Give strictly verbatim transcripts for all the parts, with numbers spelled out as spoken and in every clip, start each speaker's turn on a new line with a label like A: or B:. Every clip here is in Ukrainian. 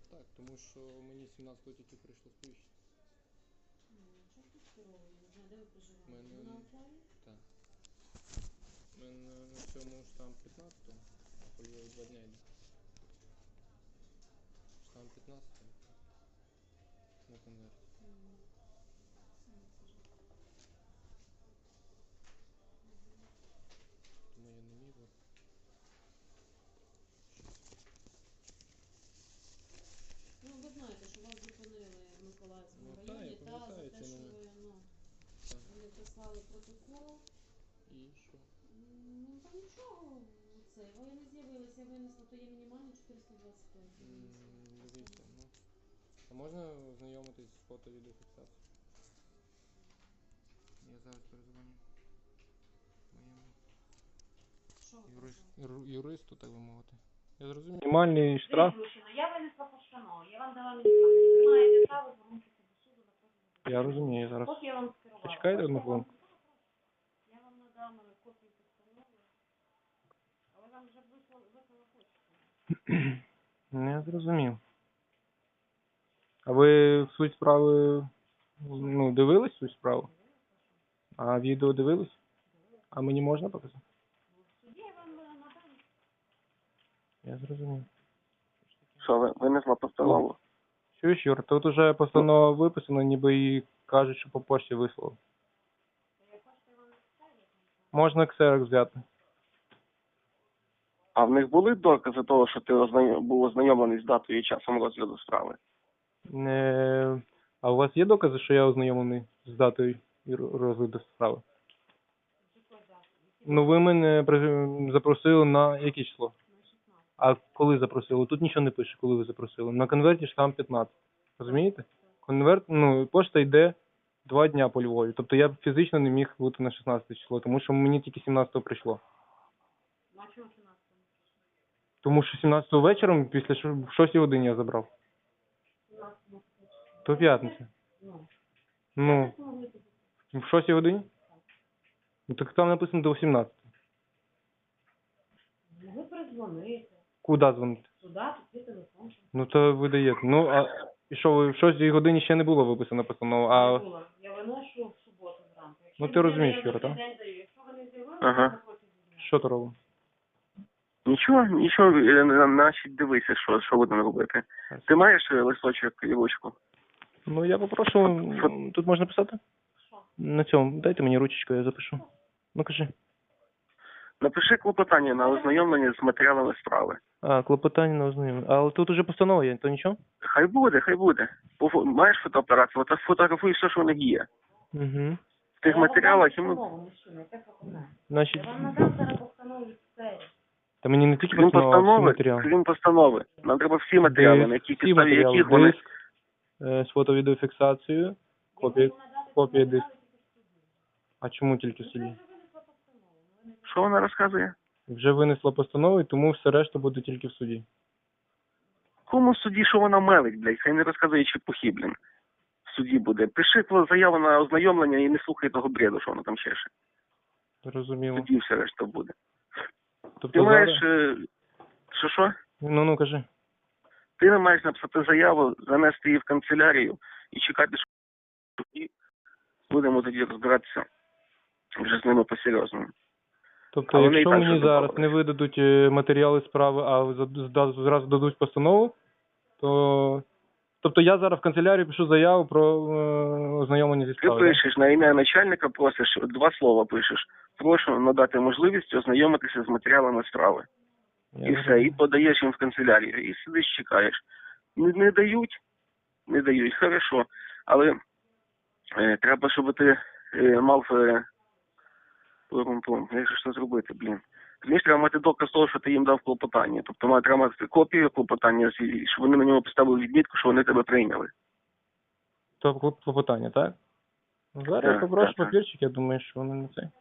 A: Так, тому що мені сімнадцятого тільки прийшло сповіщення.
B: Чого ти скеровує? Не знаю, де ви проживаєте?
A: Мене...
B: Ви на Оклаві?
A: Так. У мене на цьому штамп п'ятнадцятого, а по Львові два дня йде. Штамп п'ятнадцятого на конверті.
B: М. Ну, це ж. Мгм.
A: Тому я не міг.
B: Ну, ви знаєте, що вас зупинили в Миколаївському
A: Ну так, я
B: районі, та, за
A: пам'ятаю
B: те,
A: ці
B: що
A: моменти.
B: ви, ну,
A: Так.
B: вони прислали протокол.
A: І що?
B: М, Ну, там нічого, це, ви не з'явилися, винесли, то є мінімально чотириста двадцять п'ять. ви винесли
A: М,
B: постанову.
A: Дивіться, ну. А можна ознайомитись з фото-відеофіксацією? Я зараз перезвоню моєму
B: Що ви
A: юрист,
B: кажете?
A: юр- юристу, так би мовити. Я зрозумів. Мінімальний штраф.
B: Мужчина, я винесла постанову, я вам дала мінімальну. Ви маєте право звернутися до суду на протязі.
A: Я розумію зараз.
B: Поки я вам скерувала.
A: Почекайте одну
B: Хочете, я вам-
A: хвилинку.
B: Я вам надам е, копію постанови, але вам вже вислала вислала почту.
A: Ну, я зрозумів. А ви в суть справи, ну, дивились суть справи? А відео дивились? А мені можна показати?
B: В суді я вам е, надам.
A: Я зрозумів.
C: Що ви винесла постанову?
A: Чуєш, Юр, тут уже постанова виписана, ніби і кажуть, що по пошті вислали. Можна ксерокс взяти.
C: А в них були докази того, що ти ознайом... був ознайомлений з датою і часом розгляду справи?
A: Не... А у вас є докази, що я ознайомлений з датою і ро- розгляду справи? Ну, ви мене при- запросили на яке число? А коли запросили? Тут нічого не пише, коли ви запросили. На конверті штамп п'ятнадцять. Розумієте? Конверт, ну, пошта йде два дня по Львові. Тобто я фізично не міг бути на шістнадцяте число, тому що мені тільки сімнадцятого прийшло.
B: Ну, а чого сімнадцятого?
A: Тому що сімнадцятого вечором, після ш- в шостій годині я забрав.
B: сімнадцятого.
A: То п'ятниця.
B: Ну,
A: Ну,
B: це могли бути.
A: в шостій годині? Ну, так там написано до сімнадцятого.
B: Ну, ви перезвоните.
A: Куди дзвонити?
B: Туди, тут є телефон.
A: Ну, то ви даєте. Ну, а і що, ви в шостій годині ще не було виписана постанова,
B: Не
A: а...
B: було. Я виношу в суботу зранку. Якщо
A: Ну, ти
B: людина,
A: розумієш,
B: я
A: Юра,
B: за цей
A: так?
B: день даю. Якщо ви не з'явилися,
C: Ага.
B: на протязі дня.
A: Що то робимо?
C: Нічого, нічого, е, на- значить дивися, що, що будемо робити. Ти маєш е, листочок і ручку?
A: Ну, я попрошу, м, тут можна писати?
B: Що?
A: На цьому, дайте мені ручечку, я запишу. Ну, кажи.
C: Напиши клопотання на ознайомлення з матеріалами справи.
A: А, клопотання на ознайомлення. Але тут уже постанова є, то нічого?
C: Хай буде, хай буде. Пофо- Маєш фотоапарат, фото- фотографуй все, що в них є.
A: Угу.
C: В тих
B: Я вам
C: матеріалах
B: дам
C: йому...
B: постанову, мужчина, яке клопотання?
A: Значить,
B: Я вам надам зараз постанову від сфері.
A: та мені не тільки
C: Крім
A: постанова, а всі
C: постанови,
A: матеріали.
C: крім постанови, нам треба всі матеріали, на які
A: Всі
C: підставі
A: матеріали,
C: яких вони...
A: диск, е, з фото-відеофіксацією, копія, копія диску. А чому тільки в суді?
C: Що вона розказує?
A: Вже винесла постанову, і тому все решта буде тільки в суді.
C: Кому в суді, що вона мелить, блядь? Хай не розказує чепухи, блін. В суді буде. Пиши твою заяву на ознайомлення і не слухай того бреду, що вона там чеше. В
A: Зрозуміло.
C: суді все решта буде. Ти
A: Тобто
C: маєш...
A: зараз...
C: е, Що що?
A: Ну, ну, кажи.
C: Ти не маєш написати заяву, занести її в канцелярію і чекати, що в суді будемо тоді розбиратися вже з ними по-серйозному.
A: Тобто,
C: А вони і
A: якщо
C: так
A: мені
C: вже
A: зараз
C: домовились.
A: не видадуть е, матеріали справи, а за- зда- зразу дадуть постанову, то... Тобто я зараз в канцелярію пишу заяву про е, ознайомлення зі
C: Ти
A: справою.
C: пишеш на ім'я начальника, просиш, два слова пишеш. Прошу надати можливість ознайомитися з матеріалами справи.
A: Я
C: І
A: зрозумів.
C: все, і подаєш їм в канцелярію, і сидиш, чекаєш. Не, не дають, не дають, хорошо. Але е, треба, щоб ти е, мав е, пум-пум, як же ж це зробити, блін. Розумієш, треба мати доказ того, що ти їм дав клопотання. Тобто має- треба мати копію клопотання, і щоб вони на ньому поставили відмітку, що вони тебе прийняли.
A: То клоп- клопотання, так? Ну, зараз
C: Так,
A: я попрошу
C: так, так.
A: папірчик, я думаю, що вони не це.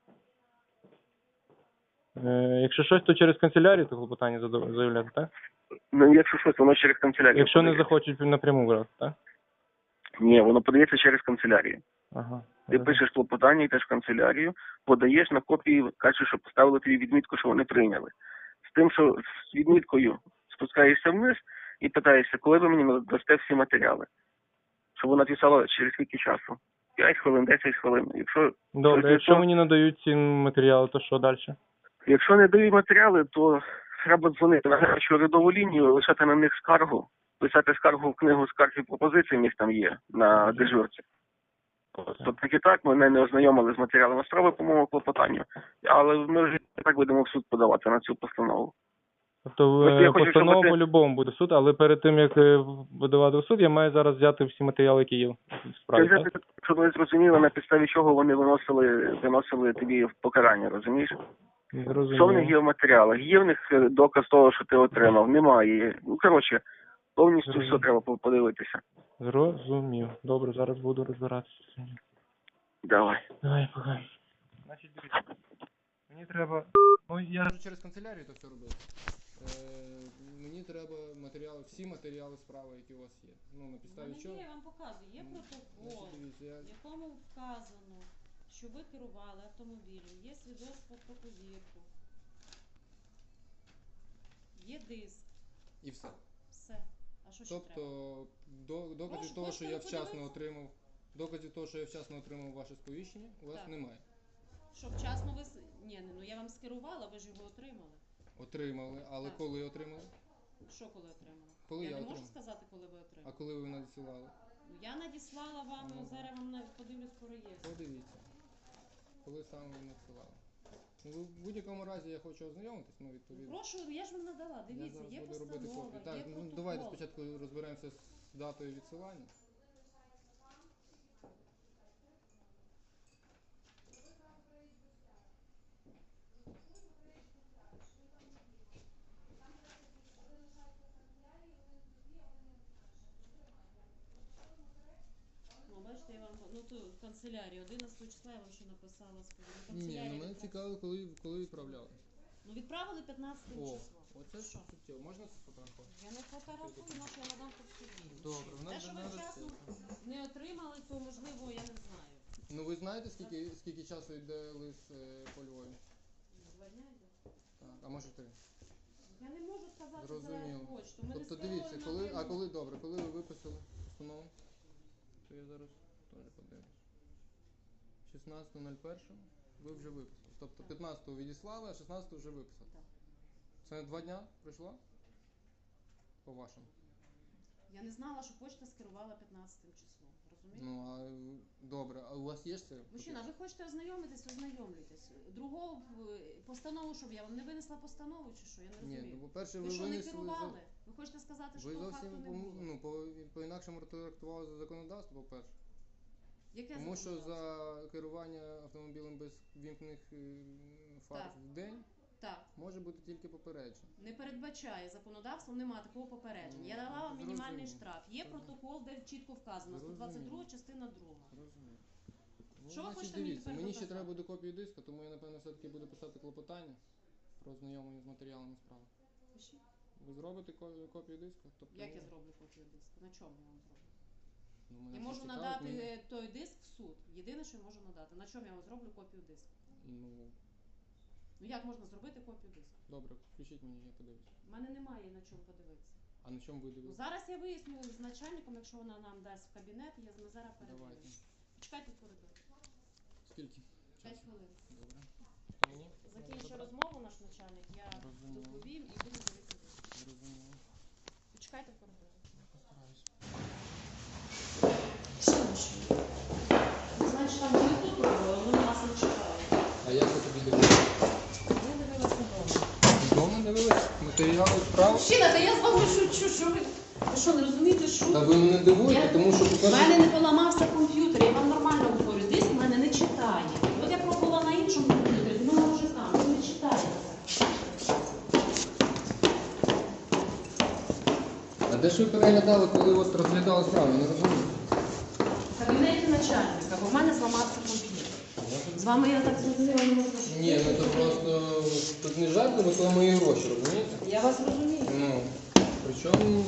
A: Е, якщо щось, то через канцелярію то клопотання задав- заявляти, так?
C: Ну, якщо щось, воно через канцелярію.
A: Якщо не
C: подається.
A: захочуть напряму брати, так?
C: Ні, воно подається через канцелярію.
A: Ага.
C: Ти пишеш клопотання, йдеш в канцелярію, подаєш на копії, кажеш, що поставили тобі відмітку, що вони прийняли. З тим, що з відміткою спускаєшся вниз і питаєшся, коли ви мені дасте всі матеріали. Щоб вона писала через скільки часу. п'ять хвилин, десять хвилин. Якщо,
A: Добре, якщо мені надають ці матеріали, то що далі?
C: якщо не дають матеріали, то треба дзвонити на гарячу урядову лінію, лишати на них скаргу, писати скаргу в книгу скарг і пропозицій, в них там є на дежурці. Тобто так і так мене не ознайомили з матеріалами справи по моєму клопотанню, але ми вже і так будемо в суд подавати на цю постанову.
A: Тобто
C: Ось я
A: е,
C: хочу,
A: постанова
C: щоб ти-
A: по-любому буде суд, але перед тим, як е, видавати в суд, я маю зараз взяти всі матеріали, які є в справі,
C: Це вже,
A: так?
C: щоб ви зрозуміли, на підставі чого вони виносили, виносили тобі в покарання, розумієш? Що в них
A: Зрозуміло.
C: є в матеріалах? Є в них е, доказ того, що ти отримав? Немає. Ну, коротше, повністю
A: Зрозумів.
C: все треба по- подивитися.
A: Зрозумів. Добре, зараз буду розбиратися.
C: Давай.
A: Давай, пока. Значить, дивіться. Мені треба... Ну, я...
D: можу через канцелярію це все робити. Е, мені треба матеріали, всі матеріали справи, які у вас є. Ну, на
B: У
D: підставі
B: мене
D: чого?
B: є, я вам показую, є
D: Ну,
B: протокол,
D: значить, дивіться, я...
B: в якому вказано, що ви керували автомобілем, є свідоцтво про повірку, є диск,
D: І все.
B: все. А що ще
D: Тобто,
B: треба?
D: до, доказів
B: Прошу,
D: того, що
B: хочете
D: я вчасно
B: подивитися?
D: отримав, доказів того, що я вчасно отримав ваше сповіщення, у вас
B: Так.
D: немає.
B: Що вчасно ви... с- Ні, ну я вам скерувала, ви ж його отримали.
D: Отримали, але
B: Так.
D: коли отримали?
B: Що коли отримали?
D: Коли
B: я
D: я
B: не можу
D: отримав?
B: сказати, коли ви
D: А
B: отримали.
D: коли ви надсилали?
B: Ну, я надіслала вам,
D: Ну.
B: зараз вам навіть подивлюсь по реєстру.
D: Подивіться. Коли саме ви надсилали? Ну, ви- в будь-якому разі я хочу ознайомитись, ну, відповідно.
B: Прошу, я ж вам надала,
D: Я
B: дивіться,
D: зараз
B: є
D: буду робити
B: постанова,
D: копію.
B: є
D: Так, ну
B: протокол.
D: давайте спочатку розберемося з датою відсилання.
B: Ну, бачите, я вам, ну тут в канцелярії, одинадцятого числа я вам ще написала сповідь. В
D: Ні, ну
B: канцелярії
D: мене
B: відправ-
D: цікаво, коли, коли відправляли.
B: Ну відправили п'ятнадцятого
D: О,
B: числа.
D: оце
B: Що?
D: суттєво. Можна це сфотографувати?
B: Я не фотографую, на що я надам по суді.
D: Добре, в
B: Те,
D: нас
B: що ви
D: зараз
B: вчасно не отримали, то можливо я не знаю.
D: Ну ви знаєте, скільки, скільки часу йде лист е, по Львові?
B: Два дня йде.
D: Так, а може три.
B: Я не можу сказати за
D: Зрозуміло.
B: почту. Ми не
D: Тобто
B: скеровуємо
D: дивіться, коли, а
B: напряму.
D: коли добре, коли ви виписали постанову, то я зараз теж подивлюсь. шістнадцятого нуль першого ви вже виписали. Тобто
B: Так.
D: п'ятнадцятого відіслали, а шістнадцятого вже виписали.
B: Так.
D: Це два дня пройшло? По вашому.
B: Я не знала, що почта скерувала п'ятнадцятим числом. Розумієте?
D: Ну а е, добре, а у вас є ж це?
B: Мужчина, ви хочете ознайомитись, ознайомлюйтесь. Другого е, постанову, щоб я вам не винесла постанову чи що? Я не
D: Ні,
B: розумію.
D: ну по-перше,
B: ви
D: ви
B: що не
D: винесли.
B: керували? Ви хочете сказати, що
D: Ви
B: того факту
D: зовсім
B: не
D: по-
B: було?
D: ну, по, по-інакшому трактували за законодавство, по-перше.
B: Яке
D: Тому що
B: законодавство?
D: за керування автомобілем без вімкнених е, фар
B: Так.
D: в день
B: Так,
D: може бути тільки попередження.
B: не передбачає законодавство, немає такого попередження. Я
D: Ну,
B: дала вам мінімальний
D: зрозуміло.
B: штраф. Є
D: Зрозуміло.
B: протокол, де чітко вказано, сто двадцять друга частина друга.
D: Розумію. Ну,
B: Що ви
D: значить,
B: хочете мені
D: дивіться,
B: тепер
D: мені ще
B: доказати?
D: треба буде копію диска, тому я напевно все-таки буду писати клопотання про ознайомлення з матеріалами справи.
B: Пишіть.
D: Ви зробите ко- копію диска? Тобто,
B: Як я
D: ну,
B: зроблю копію диска? На чому я вам зроблю?
D: ну, мене
B: Я
D: це
B: можу
D: цікавить,
B: надати
D: мені-
B: е, той диск в суд. Єдине, що я можу надати. На чому я вам зроблю копію диска?
D: Ну,
B: Ну як можна зробити копію диска?
D: добре, включіть мені, я подивлюсь.
B: У мене немає на чому подивитися.
D: А на чому ви
B: Ну,
D: дивитесь?
B: зараз я виясню з начальником, якщо вона нам дасть в кабінет, я ми зараз
D: Давайте.
B: передивимося. Чекайте в коридорі.
D: Скільки?
B: П'ять
D: Часу?
B: хвилин.
D: Добре. Мені?
B: Закінчу розмову наш начальник, я
D: Розумію.
B: доповім і буду дивитися.
D: Зрозуміло.
B: Почекайте в коридорі.
D: Я постараюсь.
B: Значить, там були тут, вони нас не чекають.
D: А як ви тобі дивитесь?
B: Ми дивилися вдома.
D: Вдома дивились? Матеріали справ?
B: Мужчина, та я з вами шучу, що ви... Ви що, не розумієте, що?
D: Та ви мене дивуєте,
B: Я-
D: тому що
B: У
D: по-перше...
B: мене не поламався комп'ютер, я вам нормально говорю, диск в мене не читає. От я пробувала на іншому комп'ютері, ну може там, він не читає.
D: А де ж ви переглядали, коли от розглядали справу? Я не розумію.
B: В кабінеті начальника, бо в мене зламався комп'ютер. З вами я так зрозуміла, не можу.
D: Ні, ну то просто тут не жарти, бо це мої гроші, розумієте?
B: Я вас розумію.
D: Ну, причому...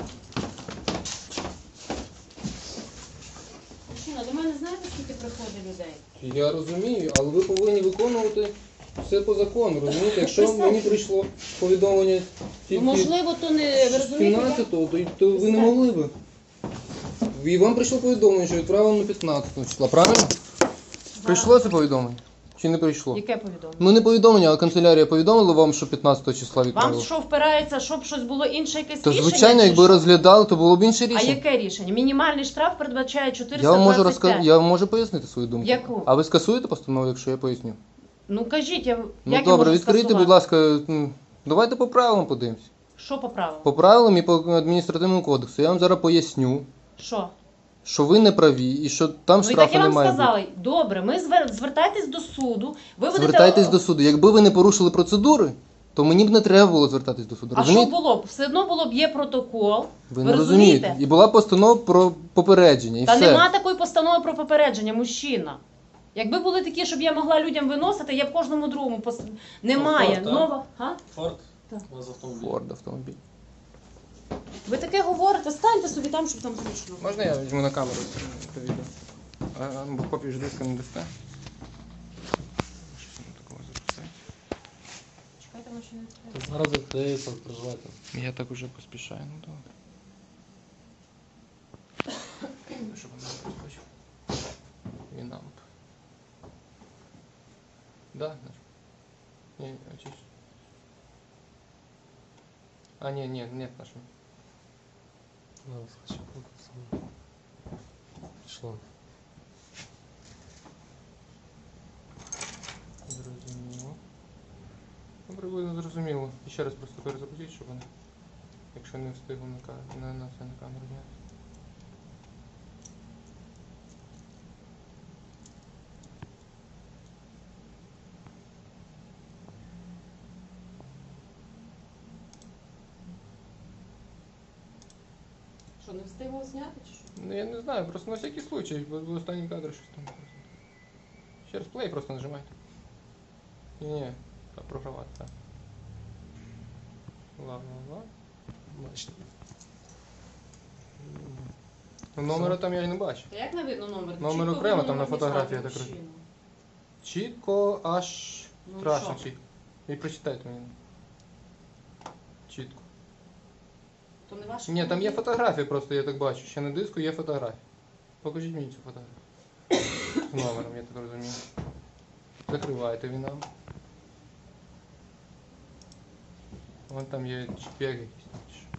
B: Мужчина, до мене знаєте, скільки приходить людей?
D: Я розумію, але ви повинні виконувати все по закону, розумієте? Якщо
B: Представте.
D: мені прийшло повідомлення
A: тільки
B: Ну, можливо, то не ви
A: з
B: розумієте. я-
A: сімнадцятого, то, то ви не могли би. І вам прийшло повідомлення, що відправлено п'ятнадцятого числа, правильно? Прийшло це повідомлення? Чи не прийшло?
B: Яке повідомлення?
A: Ну не повідомлення, а канцелярія повідомила вам, що п'ятнадцятого числа
B: Вам
A: відправили?
B: що впирається, щоб щось було інше якесь
A: То
B: рішення?
A: звичайно,
B: чи
A: якби
B: що?
A: розглядали, то було б інше
B: А
A: рішення.
B: яке рішення? Мінімальний штраф передбачає чотириста
A: Я вам можу
B: двадцять п'ять.
A: розказати, я вам можу пояснити свою думку.
B: Яку?
A: А ви скасуєте постанову, якщо я поясню?
B: Ну кажіть, я,
A: Ну
B: як я
A: добре,
B: можу
A: відкрийте,
B: скасувати?
A: будь ласка, м, давайте по правилам подивимось.
B: Що по правилам?
A: По правилам і по адміністративному кодексу. Я вам зараз поясню,
B: Що?
A: що ви не праві і що там
B: Ну і так
A: штрафу
B: я вам
A: немає.
B: сказала. Добре, ми звер... звертайтесь до суду. Ви будете...
A: Звертайтесь до суду. Якби ви не порушили процедури, то мені б не треба було звертатись до суду.
B: А що
A: Розумієте?
B: було б? Все одно було б є протокол.
A: Ви
B: Ви
A: не
B: розумієте?
A: розумієте. І була постанова про попередження. І
B: Та
A: все.
B: нема такої постанови про попередження, мужчина. Якби були такі, щоб я могла людям виносити, я б кожному другому пос... Немає.
E: Форд, так?
B: Нова. Га?
E: Форд
B: Так.
E: у вас автомобіль.
A: Форд автомобіль.
B: Ви таке говорите, станьте собі там, щоб там зручно.
A: Можна я візьму на камеру це відео? А, бо копію ж диска не дасте. Щось воно такого записати.
B: Чекайте, воно ще не відкрите.
E: Та Зараз відкриється, переживайте.
A: Я так уже поспішаю, ну добре. Щоб вона не проскочила. Вінамп. Да, наш. Ні, а чи ж? А, ні, ні, нет нашого.
E: Зараз хочу показати. Пішло.
A: Зрозуміло. Ну, приблизно зрозуміло. І ще раз просто перезапустіть, щоб вони, якщо не встигли на, ка- на, на це на камеру зняти.
B: Що, не встигла зняти чи що?
A: Ну я не знаю, просто на всякий случай, бо в останній кадр щось там. Ще раз плей просто нажимайте. Ні, ні, так програвати, так. Ла-ла-ла.
E: Бачите.
A: Ну, номера там я і не бачу.
B: Та як не видно номер?
A: Номер
B: Чітко
A: окремо,
B: видно
A: там на
B: номер
A: фотографії,
B: дійсно,
A: я так
B: мужчина.
A: Чітко аж
B: Ну,
A: страшно
B: що?
A: чітко. І прочитайте мені. Чітко.
B: То не ваш
A: Ні, там є
B: автомобіль?
A: фотографії просто, я так бачу. Ще на диску є фотографії. Покажіть мені цю фотографію. З номером, я так розумію. Закривайте він нам. Вон там є чіп'як якийсь. там, чи що.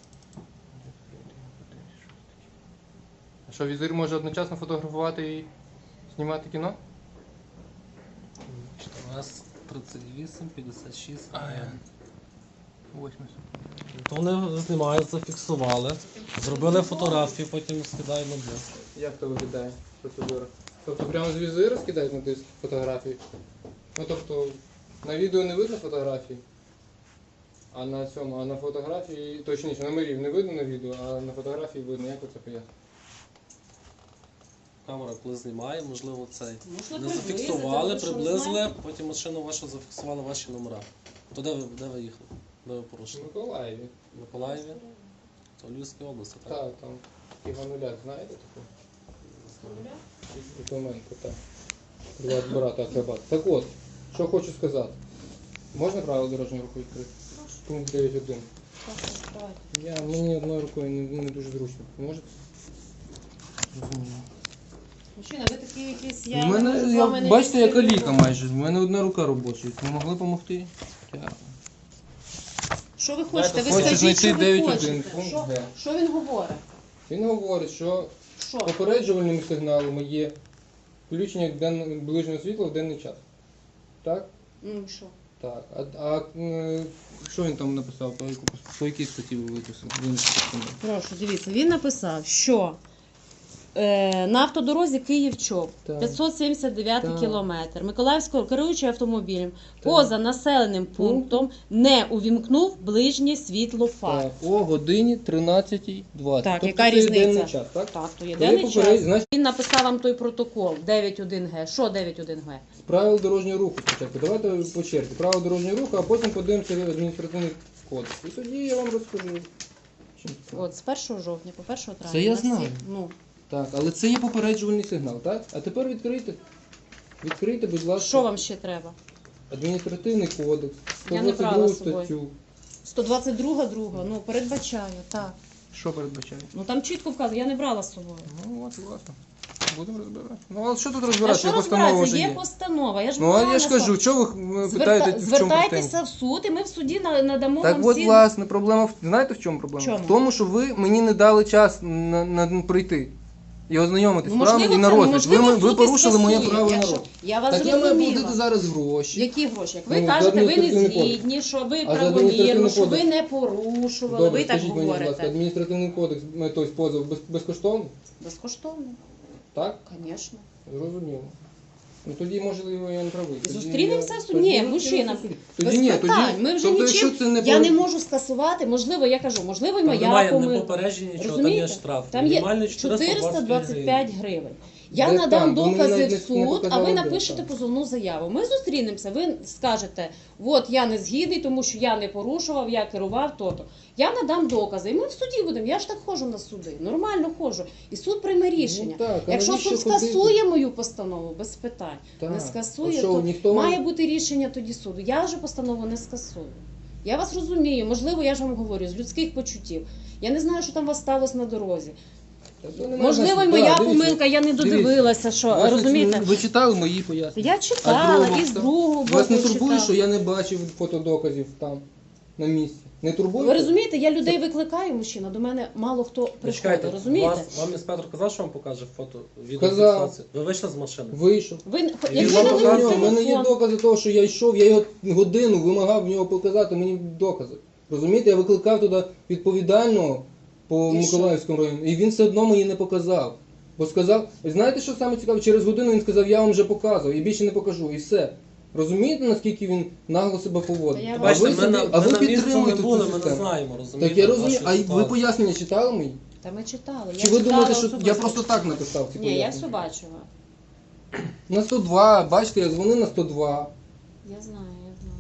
A: А що, візир може одночасно фотографувати і знімати кіно?
E: Бачите, у нас тридцять вісім, п'ятдесят шість.
A: А, я. Восьмий.
E: То вони знімають, зафіксували, зробили фотографію, потім скидають на диск.
A: Як то виглядає процедура? Тобто прямо з візира скидають на диск фотографії? Ну тобто на відео не видно фотографії, а на цьому, а на фотографії, точніше, номерів не видно на відео, а на фотографії видно. Як ви це пояснюєте?
E: Камера коли знімає, можливо, цей.
B: Можливо,
E: Не
B: приблизити,
E: зафіксували,
B: ви що, не
E: приблизили,
B: знаєте?
E: потім машину вашу зафіксували ваші номера. То де ви, де ви їхали? Де ви
A: В
E: порушили?
A: Миколаєві.
E: В Миколаєві? То в Львівській області, так?
A: Так, там Івануляк, знаєте таку? Документи, так. Два брата акробат. Так от, що хочу сказати. Можна правило дорожнього руху відкрити? Пункт дев'ять один. Я, мені одною рукою не, не дуже зручно. Можете? Розумію.
B: Мужчина, ви такі якісь, я
A: У мене,
B: з
A: я,
B: вами не
A: бачите, я
B: спілкуюся.
A: каліка майже. У мене одна рука робоча. Ви могли допомогти? Дякую.
B: Що ви хочете? Ви
A: Хочу
B: скажіть,
A: знайти
B: що ви
A: дев'ять один
B: хочете.
A: пункт
B: Що,
A: Г.
B: що він говорить?
A: Він говорить, що
B: Що?
A: попереджувальними сигналами є включення ден... ближнього світла в денний час. Так?
B: Ну, що?
A: Так. А, а е, що він там написав? По, яку- по якій статті ви виписали? Винесли.
B: Прошу, дивіться, він написав, що е, на автодорозі Київ-Чоп,
A: Так.
B: п'ятсот сімдесят дев'ятий
A: Так.
B: кілометр, Миколаївського керуючий автомобілем, поза населеним
A: Пунктом.
B: пунктом не увімкнув ближнє світло фар.
A: Так, о годині тринадцятій двадцять.
B: Так,
A: тобто
B: яка
A: це є
B: різниця?
A: денний час, так?
B: Так, то є
A: Коли
B: денний
A: попередь-
B: час.
A: Значить,
B: Він написав вам той протокол дев'ять один Г. Що дев'ять один Г?
A: з правил дорожнього руху спочатку. Давайте по черзі. Правила дорожнього руху, а потім подивимося адміністративний кодекс. І тоді я вам розкажу. Чим справа.
B: От з першого жовтня по першого травня.
A: Це я
B: на всіх-
A: знаю.
B: Ну,
A: Так, але це є попереджувальний сигнал, так? А тепер відкрийте. Відкрийте, будь ласка,
B: що вам ще треба?
A: адміністративний кодекс,
B: Я не
A: сто двадцять
B: брала
A: другу
B: з собою.
A: статтю.
B: сто двадцять друга друга, ну, передбачає, так.
A: Що передбачає?
B: Ну там чітко вказано, я не брала з собою.
A: Ну от, власне. Будемо розбирати. Ну, а що тут
B: А
A: розбиратися?
B: що
A: Постанова
B: розбиратися?
A: вже
B: Є
A: є.
B: постанова. Я ж
A: Ну, а
B: правильно
A: я ж кажу,
B: сказала.
A: чого ви
B: Зверта-
A: питаєте, в чому
B: Звертайтеся
A: претензія?
B: в суд, і ми в суді на- надамо
A: Так
B: вам
A: от,
B: всі...
A: власне, проблема, в- знаєте в чому проблема?
B: Чому?
A: В тому, що ви мені не дали час на, на прийти і ознайомитись з
B: Ну,
A: правом і на
B: це-
A: розгляд. Ви,
B: можливо,
A: м- ви
B: суд і
A: порушили моє
B: скасує.
A: право на
B: Якщо-
A: розгляд.
B: Я вас
A: Так я маю
B: зрозуміла.
A: платити зараз гроші.
B: Які гроші? Як ви
A: Ну, за
B: кажете, ви не
A: адміністративний кодекс.
B: згідні, що ви
A: А за
B: правомірно,
A: адміністративний
B: що ви
A: кодекс?
B: не порушували,
A: Добре,
B: ви так
A: скажіть мені, будь ласка,
B: говорите.
A: адміністративний кодекс, е, тобто позов без, безкоштовний?
B: Безкоштовно,
A: Так?
B: звісно.
A: Зрозуміло. Ну тоді, можливо, я не правий. Тоді
B: Зустрінемося
A: я-
B: в суді?
A: тоді
B: Ні,
A: зустрінемося
B: мужчина,
A: в суді.
B: без
A: Тоді ні,
B: питань.
A: тоді,
B: Ми вже
A: тобто,
B: нічим-
A: якщо це не
B: Я
A: пор-
B: не можу скасувати, можливо, я кажу, можливо,
E: Там
B: моя
E: немає не
B: помилка.
E: попередження нічого, там
B: Розумієте?
E: є штраф.
B: Там є
E: Мінімальний
B: чотириста двадцять п'ять гривень. Я
A: Де
B: надам
A: там? Бо мені
B: докази
A: навіть
B: в
A: не- не
B: суд, а
A: показали,
B: ви
A: де
B: напишете
A: там.
B: позовну заяву. Ми зустрінемося, ви скажете, от я не згідний, тому що я не порушував, я керував то-то. Я надам докази, і ми в суді будемо. Я ж так ходжу на суди, нормально ходжу. І суд прийме рішення.
A: Ну, так, а
B: Якщо
A: навіщо
B: суд
A: ходити?
B: скасує мою постанову, без питань.
A: Так.
B: Не
A: А
B: скасує,
A: що,
B: то
A: ніхто вам-
B: має бути рішення тоді суду. Я вже постанову не скасую. Я вас розумію, можливо, я ж вам говорю, з людських почуттів. Я не знаю, що там у вас сталося на дорозі.
A: Та то немає
B: Можливо, і
A: значення.
B: моя
A: Так, дивіться.
B: помилка, я не додивилася, що,
A: Власне,
B: розумієте?
A: Ви читали мої пояснення?
B: Я
A: А
B: читала,
A: другого
B: і з
A: хто?
B: другого боку
A: Вас не турбує,
B: читала.
A: що я не бачив фотодоказів там, на місці? Не турбує?
B: Ви розумієте, я людей викликаю, мужчина, до мене мало хто приходить,
E: Чекайте,
B: розумієте?
E: вас, вам інспектор казав, що вам покаже фото
A: Казав.
E: відеофіксацію? Ви вийшли з машини?
A: Вийшов.
B: Ви,
E: Я
B: якби
A: Я
B: ви
E: вам
B: не
A: показав,
E: показую,
A: у мене є
B: телефон,
A: докази того, що я йшов, я його годину вимагав в нього показати, мені докази. Розумієте, я викликав туди відповідального по
B: І
A: Миколаївському району, і він все одно мені не показав. Бо сказав, ви знаєте, що саме цікаве? Через годину він сказав, я вам вже показував, і більше не покажу, і все. Розумієте, наскільки він нагло себе поводить?
B: Та я
A: А
B: вас-
A: ви,
E: Бачите, ми,
A: собі-
E: на,
A: а
E: ми
A: ви
E: на місці не
A: підтримуєте
E: були,
A: цю
E: ми не
A: систему.
E: знаємо, розумієте?
A: Так я розумію,
E: вашу
A: а й ви
E: ситуацію.
A: пояснення читали мої?
B: Та ми читали.
A: Чи
B: я
A: ви
B: читала
A: думаєте, що
B: особисто.
A: я просто так написав ці
B: Ні, я
A: пояснення?
B: все бачила.
A: На сто два, бачите, я дзвонив на сто два.
B: Я знаю, я знаю.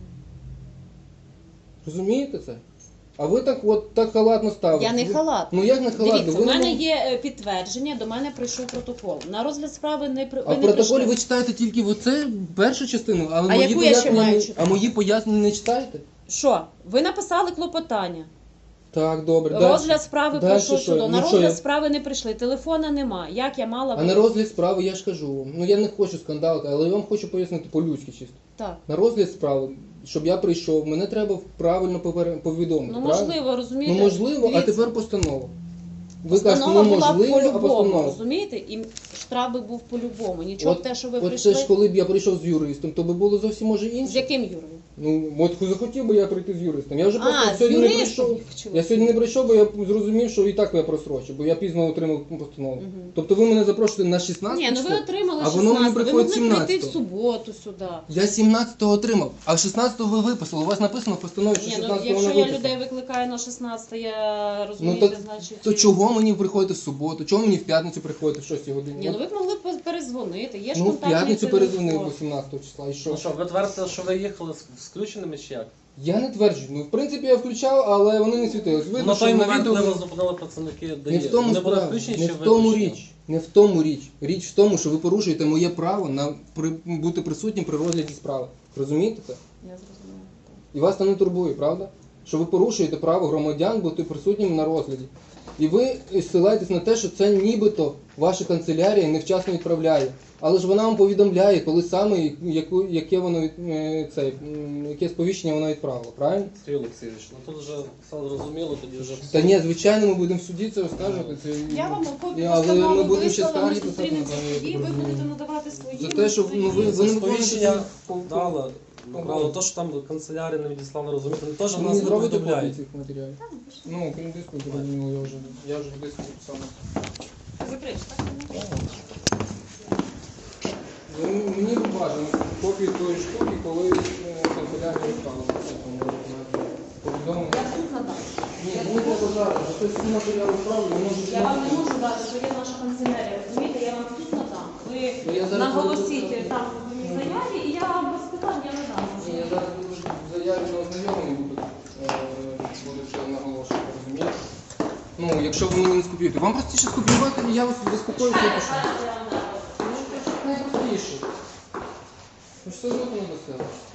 A: Розумієте це? А ви так от так халатно ставите.
B: Я не
A: Ви-
B: халат.
A: Ну як не халатно?
B: Дивіться,
A: Ви
B: у
A: не
B: мене
A: мож-
B: є е, підтвердження, до мене прийшов протокол. На розгляд справи не при...
A: А
B: ви
A: в
B: не
A: протоколі
B: прийшли.
A: ви читаєте тільки оце першу частину, а,
B: А
A: мої
B: яку я ще
A: пояснення
B: маю
A: не-
B: читати?
A: а мої пояснення не читаєте?
B: Що? Ви написали клопотання.
A: Так, добре.
B: Розгляд
A: дальше.
B: справи
A: Дальше
B: пройшов
A: що?
B: судом. На
A: Ну, що
B: розгляд
A: я-
B: справи не прийшли. Телефона нема. Як я мала
A: А на розгляд справи я ж кажу вам. Ну я не хочу скандалити, але я вам хочу пояснити по-людськи чисто.
B: Так.
A: На розгляд справи, щоб я прийшов, мене треба правильно попер- повідомити.
B: Ну
A: правильно?
B: можливо, розумієте?
A: Ну можливо, а
B: Дивіться,
A: тепер постанова. Ви кажете,
B: постанова
A: ну
B: була
A: можливо, а
B: по-любому,
A: постанова.
B: розумієте? І штраф би був по-любому. Нічого
A: От-
B: те, що ви
A: От
B: прийшли.
A: це ж коли б я прийшов з юристом, то би було зовсім може
B: З
A: інше.
B: яким Юрою?
A: Ну, от захотів би я прийти з юристом. Я вже просто
B: А, з
A: сьогодні не
B: юристом
A: прийшов.
B: хотіла.
A: Я сьогодні не прийшов, бо я зрозумів, що і так я просрочив, бо я пізно отримав постанову.
B: Мгм.
A: Тобто ви мене запрошуєте на шістнадцяте
B: Ні, ну ви
A: число?
B: отримали
A: А воно мені
B: шістнадцятого. Ви
A: приходить
B: могли прийти в
A: сімнадцятого.
B: суботу сюди.
A: Я сімнадцятого отримав, а шістнадцятого ви виписали. У вас написано в постанові, що
B: Ні, ну
A: шістнадцятого
B: якщо
A: не
B: я
A: виписано.
B: людей викликаю на шістнадцяте, я
A: Ну
B: розумієте,
A: так,
B: значить.
A: то
B: і-
A: чого мені приходити в суботу? Чого мені в п'ятницю приходити в шостій годині?
B: Ні, ну ви б могли б перезвонити. Є ж
A: Ну, в
B: контактний
A: п'ятницю
B: телефон.
A: перезвонив вісімнадцятого числа, і що?
E: Ну що, ви твердите, що ви їхали з з включеними чи як?
A: Я не тверджую. Ну, в принципі, я включав, але вони не світились. Видно,
E: На
A: що
E: той
A: на
E: момент,
A: відео...
E: коли вас зупинили працівники
A: Не
E: ДАІ,
A: в тому
E: вони були
A: справа,
E: включені
A: не
E: чи
A: в тому
E: виключені?
A: річ. Не в тому річ. Річ в тому, що ви порушуєте моє право на при, бути присутнім при розгляді справи. Розумієте це?
B: Я зрозуміла.
A: І вас це не турбує, правда? Що ви порушуєте право громадян бути присутнім на розгляді. І ви ссилаєтесь на те, що це нібито ваша канцелярія невчасно відправляє. Але ж вона вам повідомляє, коли саме яку, яке воно від, е, це, м, яке сповіщення вона відправила, правильно?
E: Сергій Олексійович, ну тут вже все зрозуміло, тоді вже
A: Та ні, звичайно, ми будемо в суді це оскаржувати. Це...
B: Я вам копію
A: Але ми
B: постанови
A: будемо ще
B: вислала, ми
A: скарги писати,
B: зустрінемося
A: напевно, я
B: в суді,
A: так
B: ви
A: розумію.
B: будете надавати свої.
A: За те, що, ну, ви-
E: Це
A: ви не
E: сповіщення
A: виконуєте свої-
E: дала. Направо, то, що там канцелярія не відіслала, розумієте, не теж
A: Ви
E: нас
A: не
E: не
A: зробите копії
E: повідомляють.
A: цих матеріалів? Ну, крім диску, зрозуміло, я вже, я вже в диску записав.
B: Закриш, так?
A: Ну, мені б бажано копію тої штуки, коли е, канцелярія відправила. Повідомлення.
B: Я тут надам.
A: Ні, мені треба зараз, бо це всі матеріали відправлю, воно вже...
B: Я вам не можу дати, що є наша канцелярія. Розумієте, я вам тут надам.
A: Ну,
B: Ви
A: я зараз
B: наголосіть
A: буду-
B: там в моїй заяві, і я вам без питань я надам.
A: Ні, я зараз буду в заяві на ознайомлення буду, е, буду вже наголошувати, розумієте? Ну, якщо ви мені не скопіюєте. Вам простіше скопіювати, і я вас заспокоюся і пишу. Ну, це ж найпростіше. Ви ж все одно не до себе.